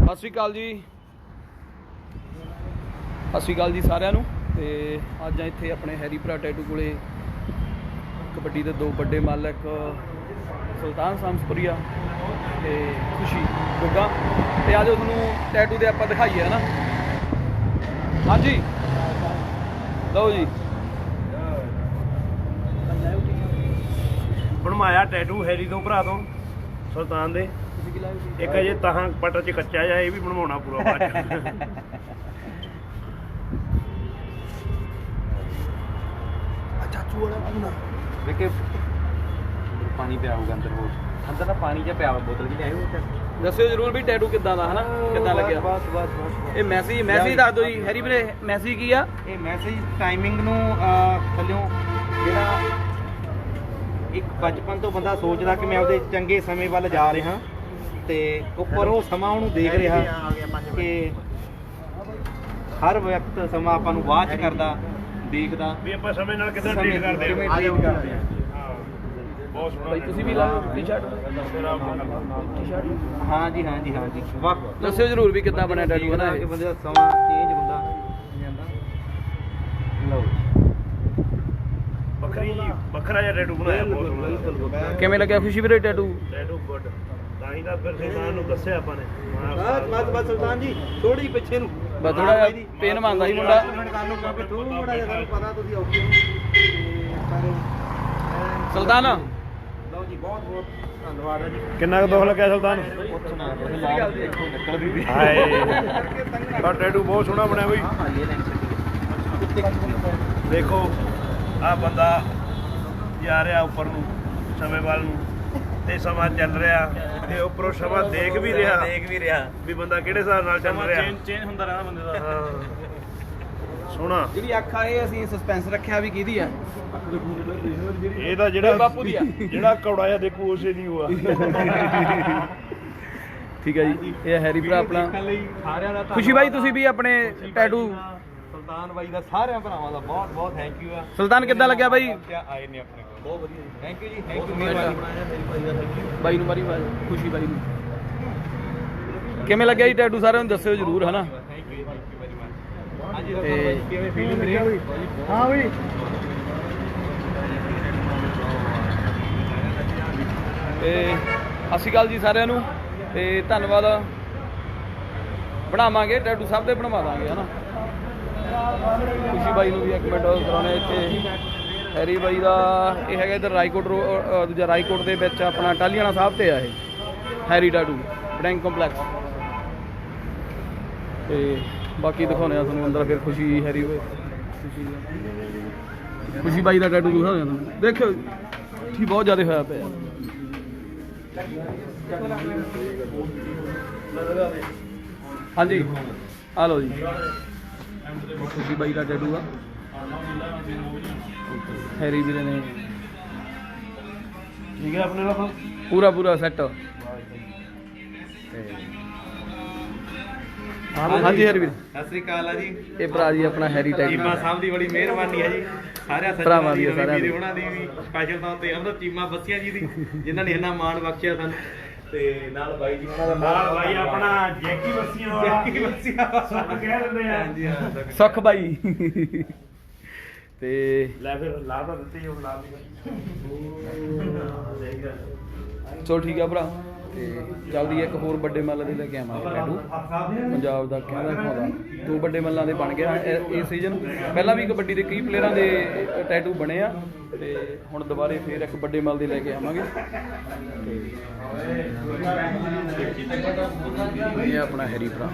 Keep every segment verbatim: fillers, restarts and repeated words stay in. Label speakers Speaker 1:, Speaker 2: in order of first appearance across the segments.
Speaker 1: ਸਤਿ ਸ਼੍ਰੀ ਅਕਾਲ ਜੀ, ਸਤਿ ਸ਼੍ਰੀ ਅਕਾਲ ਜੀ ਸਾਰਿਆਂ ਨੂੰ। ਤੇ ਅੱਜ ਇੱਥੇ ਆਪਣੇ ਹੈਰੀ ਭਰਾ ਟੈਟੂ ਕੋਲੇ ਕਬੱਡੀ ਦੇ ਦੋ ਵੱਡੇ ਮਾਲਕ ਸੁਲਤਾਨ ਸਾਮਸਪੁਰੀਆ ਤੇ ਖੁਸ਼ੀ ਗੁੱਗਾ ਤੇ ਅੱਜ ਤੁਹਾਨੂੰ ਟੈਟੂ ਦੇ ਆਪਾਂ ਦਿਖਾਈਏ ਹੈ ਨਾ। ਹਾਂਜੀ ਲਓ ਜੀ,
Speaker 2: ਬਣਵਾਇਆ ਟੈਟੂ ਹੈਰੀ ਤੋਂ ਭਰਾ ਤੋਂ ਸੁਲਤਾਨ ਦੇ। ਇੱਕ ਅਜੇ ਤਾਹਾਂ ਪਟਰ ਚ ਕੱਚਾ ਜਾ, ਇਹ ਵੀ ਬਣਵਾਉਣਾ ਪੂਰਾ ਬਾਅਦ ਚ।
Speaker 1: ਚਾਚੂ ਵਾਲਾ ਪੂਣਾ
Speaker 3: ਵੇਖੇ ਪਾਣੀ ਪਿਆ ਹੋਊਗਾ ਅੰਦਰ, ਹੋਰ ਅੰਦਰ ਤਾਂ ਪਾਣੀ ਜਿਹਾ ਪਿਆ ਵਾ, ਬੋਤਲ ਵੀ ਲਿਆਇਓ।
Speaker 1: ਦੱਸਿਓ ਜਰੂਰ ਵੀ ਟੈਟੂ ਕਿੱਦਾਂ ਦਾ ਹੈ ਨਾ, ਕਿੱਦਾਂ ਲੱਗਿਆ।
Speaker 3: ਬਸ ਬਸ ਬਸ
Speaker 1: ਇਹ ਮੈਸੇਜ ਮੈਸੇਜ ਦੱਸ ਦਿਓ ਜੀ ਹੈਰੀ ਵੀਰੇ, ਮੈਸੇਜ ਕੀ ਆ?
Speaker 3: ਇਹ ਮੈਸੇਜ ਟਾਈਮਿੰਗ ਨੂੰ ਥੱਲਿਓਂ ਜਿਹੜਾ ਇੱਕ ਬਚਪਨ ਤੋਂ ਬੰਦਾ ਸੋਚਦਾ ਕਿ ਮੈਂ ਆਪਦੇ ਚੰਗੇ ਸਮੇਂ ਵੱਲ ਜਾ ਰਿਹਾ ਤੇ ਉੱਪਰ ਉਹ ਸਮਾਂ ਉਹਨੂੰ ਦੇਖ ਰਿਹਾ ਕਿ ਹਰ ਵਕਤ ਸਮਾਂ ਆਪਾਂ ਨੂੰ ਵਾਚ ਕਰਦਾ ਦੇਖਦਾ
Speaker 2: ਵੀ ਆਪਾਂ ਸਮੇਂ ਨਾਲ ਕਿੱਦਾਂ ਟ੍ਰੀਟ ਕਰਦੇ
Speaker 3: ਕਿਵੇਂ
Speaker 2: ਹਾਂ।
Speaker 3: treat ਕਰਦੇ ਆ।
Speaker 2: ਬਹੁਤ ਸੋਹਣਾ
Speaker 1: ਭਾਈ ਤੁਸੀਂ ਵੀ ਲਾਓ ਟੀ-ਸ਼ਰਟ ਟੀ-ਸ਼ਰਟ
Speaker 3: ਹਾਂ ਜੀ ਹਾਂ ਜੀ ਹਾਂ ਜੀ ਵਕਤ
Speaker 1: ਦੱਸਿਓ ਜਰੂਰ ਵੀ ਕਿੱਦਾਂ ਬਣਿਆ ਟੈਟੂ ਹੈ ਨਾ
Speaker 3: ਕਿ
Speaker 1: ਇਹ।
Speaker 3: ਬੰਦੇ ਦਾ ਸਮਾਂ ਚੇਂਜ ਹੁੰਦਾ ਜਾਂਦਾ। ਲਓ
Speaker 2: ਵੱਖਰੀ ਵੱਖਰਾ ਜਿਹਾ ਟੈਟੂ ਬਣਾਇਆ, ਬਹੁਤ ਸੋਹਣਾ।
Speaker 1: ਕਿਵੇਂ ਲੱਗਿਆ ਖੁਸ਼ੀ ਵੀਰੇ ਟੈਟੂ?
Speaker 2: ਟੈਟੂ ਗੁੱਡ, ਤਾਂ ਹੀ ਤਾਂ ਫਿਰ ਸੁਲਤਾਨ ਨੂੰ ਦੱਸਿਆ ਆਪਾਂ ਨੇ।
Speaker 3: ਬਸ ਬਸ ਬਸ ਸੁਲਤਾਨ ਜੀ ਥੋੜੀ ਪਿੱਛੇ ਨੂੰ
Speaker 1: ਬਸ ਥੋੜਾ ਜਿਹਾ ਪੇਨ ਮੰਨਦਾ ਸੀ ਮੁੰਡਾ।
Speaker 3: ਕਿਉਂਕਿ ਥੋੜਾ ਜਿਹਾ ਤੁਹਾਨੂੰ ਪਤਾ ਤੁਸੀਂ ਔਖੇ ਹੋ ਤੇ ਪਰ
Speaker 1: ਸੁਲਤਾਨ
Speaker 3: ਲਓ ਜੀ ਬਹੁਤ ਬਹੁਤ ਧੰਨਵਾਦ ਹੈ ਜੀ।
Speaker 2: ਕਿੰਨਾ ਕੁ ਦੁੱਖ ਲੱਗਿਆ ਸੁਲਤਾਨ?
Speaker 3: ਪੁੱਛਣਾ ਤੁਸੀਂ ਲਾਲ ਦੇਖੋ ਨਿਕਲਦੀ ਵੀ
Speaker 2: ਹਾਏ ਤਾਂ ਟੈਟੂ ਬਹੁਤ ਸੋਹਣਾ ਬਣਿਆ ਬਈ।
Speaker 3: ਹਾਂ ਇਹ ਲੈਂਸ
Speaker 2: ਦੇਖੋ ਆ ਬੰਦਾ ਜਾ ਰਿਹਾ ਉੱਪਰ ਨੂੰ ਸਮੇਂ ਵੱਲ ਨੂੰ, ਤੇ ਸਮਾਂ ਚੱਲ ਰਿਹਾ ਤੇ ਉੱਪਰੋਂ ਸਮਾਂ ਦੇਖ ਵੀ ਰਿਹਾ
Speaker 3: ਦੇਖ ਵੀ ਰਿਹਾ
Speaker 2: ਵੀ ਬੰਦਾ ਕਿਹੜੇ ਹਿਸਾਬ ਨਾਲ ਚੱਲ ਰਿਹਾ।
Speaker 1: ਚੇਂਜ ਹੁੰਦਾ ਰਹਿਣਾ ਬੰਦੇ ਦਾ।
Speaker 2: ਹਾਂ ਸੋਹਣਾ।
Speaker 3: ਜਿਹੜੀ ਅੱਖ ਆ ਇਹ ਅਸੀਂ ਸਸਪੈਂਸ ਰੱਖਿਆ ਵੀ ਕਿਹਦੀ ਆ?
Speaker 2: ਇਹਦਾ ਜਿਹੜਾ
Speaker 1: ਬਾਪੂ ਦੀ ਆ।
Speaker 2: ਜਿਹੜਾ ਕੌੜਾ ਜਿਹਾ ਦੇਖੂ ਉਸੇ ਨਹੀਂ ਹੋਆ।
Speaker 1: ਠੀਕ ਹੈ ਜੀ, ਇਹ ਹੈਰੀ ਭਰਾ ਆਪਣਾ
Speaker 3: ਸਾਰਿਆਂ ਦਾ
Speaker 1: ਖੁਸ਼ੀ ਬਾਈ, ਤੁਸੀਂ ਵੀ ਆਪਣੇ ਟੈਟੂ
Speaker 3: ਸੁਲਤਾਨ ਬਾਈ ਦਾ ਸਾਰਿਆਂ ਭਰਾਵਾਂ ਦਾ ਬਹੁਤ ਬਹੁਤ ਥੈਂਕ ਯੂ ਆ।
Speaker 1: ਸੁਲਤਾਨ ਕਿੱਦਾਂ ਲੱਗਿਆ ਬਾਈ?
Speaker 3: ਆਏ ਨੇ ਆਪਣੇ ਕੋਲ ਬਹੁਤ ਵਧੀਆ ਜੀ, ਥੈਂਕ ਯੂ ਜੀ, ਥੈਂਕ ਯੂ ਮਿਹਰਬਾਨੀ
Speaker 1: ਬਾਈ ਨੂੰ ਮਾਰੀ ਬਾਈ ਖੁਸ਼ੀ ਬਾਈ ਨੂੰ ਕਿਵੇਂ ਲੱਗਿਆ ਜੀ ਟੈਟੂ? ਸਾਰਿਆਂ ਨੂੰ ਦੱਸਿਓ ਜਰੂਰ ਹੈ ਨਾ।
Speaker 3: Thank you thank you very much. ਹਾਂਜੀ
Speaker 1: ਤੇ
Speaker 3: ਦੱਸੋ ਕਿਵੇਂ ਫੀਲਿੰਗ ਰਹੀ?
Speaker 1: ਹਾਂ ਬਈ ਤੇ ਸਤਿ ਸ਼੍ਰੀ ਅਕਾਲ ਜੀ ਸਾਰਿਆਂ ਨੂੰ ਤੇ ਧੰਨਵਾਦ। ਬਣਾਵਾਂਗੇ ਟੈਟੂ ਸਭ ਦੇ ਬਣਵਾ ਦਾਂਗੇ ਹੈ ਨਾ। ਖੁਸ਼ੀ ਬਾਈ ਨੂੰ ਵੀ ਇੱਕ ਮਿੰਟ ਕਰਾਉਣੇ ਇੱਥੇ। ਹੈਰੀ ਬਾਈ ਦਾ ਇਹ ਹੈਗਾ ਇੱਧਰ ਰਾਈਕੋਟ ਰੋ ਦੂਜਾ ਰਾਈਕੋਟ ਦੇ ਵਿੱਚ ਆਪਣਾ ਟਾਹਲੀਆਣਾ ਸਾਹਿਬ ਤੇ ਆ ਇਹ ਹੈਰੀ ਟੈਟੂ ਬੈਂਕ ਕੰਪਲੈਕਸ। ਤੇ ਬਾਕੀ ਦਿਖਾਉਂਦੇ ਆ ਤੁਹਾਨੂੰ ਅੰਦਰ ਫਿਰ ਖੁਸ਼ੀ ਹੈਰੀ ਖੁਸ਼ੀ ਖੁਸ਼ੀ ਬਾਈ ਦਾ ਟੈਟੂ ਦਿਖਾਉਂਦੇ ਆ ਤੁਹਾਨੂੰ। ਦੇਖਿਓ ਠੀਕ ਬਹੁਤ ਜ਼ਿਆਦਾ ਹੋਇਆ ਪਿਆ। ਹਾਂਜੀ ਆ ਲਓ ਜੀ, ਖੁਸ਼ੀ ਬਾਈ ਦਾ ਟੈਟੂ ਆ ਹੈਰੀ ਵੀਰੇ ਨੇ
Speaker 2: ਠੀਕ ਹੈ ਆਪਣੇ ਨਾਲ
Speaker 1: ਪੂਰਾ ਪੂਰਾ ਸੈੱਟ। ਹਾਂਜੀ ਹੈਰੀ ਵੀਰ
Speaker 3: ਸਤਿ ਸ੍ਰੀ ਅਕਾਲ ਆ ਜੀ।
Speaker 1: ਇਹ ਭਰਾ ਜੀ ਆਪਣਾ ਹੈਰੀ ਟੈਟੂ।
Speaker 3: ਚੀਮਾ ਸਾਹਿਬ ਦੀ ਬੜੀ ਮਿਹਰਬਾਨੀ ਹੈ ਜੀ, ਸਾਰਿਆਂ
Speaker 1: ਭਰਾਵਾਂ ਦੀ,
Speaker 3: ਸੱਜਣਾਂ
Speaker 1: ਸਾਰਿਆਂ ਦੀ।
Speaker 3: ਵੀਰੇ ਉਹਨਾਂ ਦੀ ਵੀ ਸਪੈਸ਼ਲ ਤੌਰ ਤੇ ਉਹਨਾਂ ਚੀਮਾ ਬੱਸੀਆਂ ਜੀ ਦੀ ਜਿਨ੍ਹਾਂ ਨੇ ਇੰਨਾ ਮਾਣ ਬਖਸ਼ਿਆ ਸਾਨੂੰ, ਤੇ ਨਾਲ ਬਾਈ ਜੀ ਉਹਨਾਂ ਦਾ
Speaker 2: ਨਾਲ ਭਾਈ ਆਪਣਾ ਜੈਕੀ ਬੱਸੀਆਂ ਵਾਲਾ
Speaker 3: ਜੈਕੀ ਬੱਸੀਆਂ
Speaker 2: ਸੁੱਖ ਕਹਿ ਦਿੰਦੇ ਆ।
Speaker 3: ਹਾਂਜੀ ਹਾਂ
Speaker 1: ਸੁੱਖ ਬਾਈ ਤੇ
Speaker 2: ਲੈ ਫਿਰ ਲਾ ਤਾਂ ਦਿੱਤੀ ਹੁਣ ਲਾ
Speaker 1: ਚਲੋ ਠੀਕ ਆ ਭਰਾ। ਤੇ ਜਲਦੀ ਇੱਕ ਹੋਰ ਵੱਡੇ ਮੱਲ ਦੇ ਲੈ ਕੇ ਆਵਾਂਗੇ ਟੈਟੂ ਪੰਜਾਬ ਦਾ ਕਹਿੰਦਾ ਖਾਦਾ। ਦੋ ਵੱਡੇ ਮੱਲਾਂ ਦੇ ਬਣ ਗਏ ਇਸ ਸੀਜ਼ਨ। ਪਹਿਲਾਂ ਵੀ ਕਬੱਡੀ ਦੇ ਕਈ ਪਲੇਅਰਾਂ ਦੇ ਟੈਟੂ ਬਣੇ ਆ ਤੇ ਹੁਣ ਦੁਬਾਰੇ ਫੇਰ ਇੱਕ ਵੱਡੇ ਮੱਲ ਦੇ ਲੈ ਕੇ ਆਵਾਂਗੇ। ਤੇ ਇਹ ਆਪਣਾ ਹੈਰੀ ਭਰਾ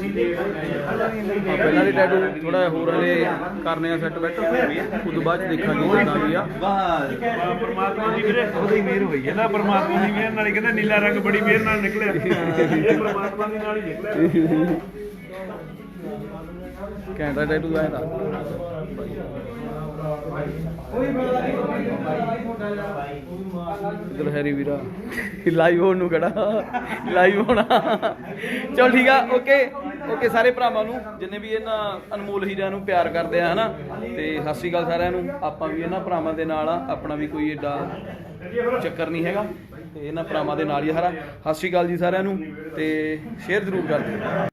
Speaker 1: ਪਹਿਲਾਂ ਦੇ ਟੈਟੂ ਥੋੜਾ ਹੋਰ ਹਲੇ ਕਰਨੇ ਆ ਸੈੱਟ ਬੈਟ, ਉਸ ਤੋਂ ਬਾਅਦ ਦੇਖਾਂਗੇ ਕਿੱਦਾਂ ਵੀ ਆ।
Speaker 2: ਪਰਮਾਤਮਾ ਦੀ ਵੀਰੇ ਉਹਦੀ ਮਿਹਰ ਹੋਈ ਹੈ ਨਾ। ਪਰਮਾਤਮਾ ਦੀ ਮਿਹਰ ਨਾਲ ਹੀ ਕਹਿੰਦਾ ਨੀਲਾ ਰੰਗ ਬੜੀ ਮਿਹਰ ਨਾਲ ਨਿਕਲਿਆ। ਇਹ ਪਰਮਾਤਮਾ ਦੀ ਨਾਲ ਹੀ ਨਿਕਲਿਆ।
Speaker 1: ਘੈਂਟਾ ਟੈਟੂ ਆਇਆ ਤਾਂ ਇਧਰ ਹੈਰੀ ਵੀਰਾ ਲਾਈਵ ਹੋਣ ਨੂੰ ਕਿਹੜਾ ਲਾਈਵ ਹੋਣਾ। ਚਲ ਠੀਕ ਆ, ਓਕੇ ਓਕੇ ਸਾਰੇ ਭਰਾਵਾਂ ਨੂੰ ਜਿੰਨੇ ਵੀ ਇਹਨਾਂ ਅਨਮੋਲ ਹੀਰਿਆਂ ਨੂੰ ਪਿਆਰ ਕਰਦੇ ਆ ਹਨਾ। ਤੇ ਸਤਿ ਸ਼੍ਰੀ ਅਕਾਲ ਸਾਰਿਆਂ ਨੂੰ। ਆਪਾਂ ਵੀ ਇਹਨਾਂ ਭਰਾਵਾਂ ਦੇ ਨਾਲ ਆ, ਆਪਣਾ ਵੀ ਕੋਈ ਏਡਾ ਚੱਕਰ ਨਹੀਂ ਹੈਗਾ। ਤੇ ਇਹਨਾਂ ਭਰਾਵਾਂ ਦੇ ਨਾਲ ਹੀ ਆ ਸਾਰਾ। ਸਤਿ ਸ਼੍ਰੀ ਅਕਾਲ ਜੀ ਸਾਰਿਆਂ ਨੂੰ, ਤੇ ਸ਼ੇਅਰ ਜ਼ਰੂਰ ਕਰ ਦਿਓ।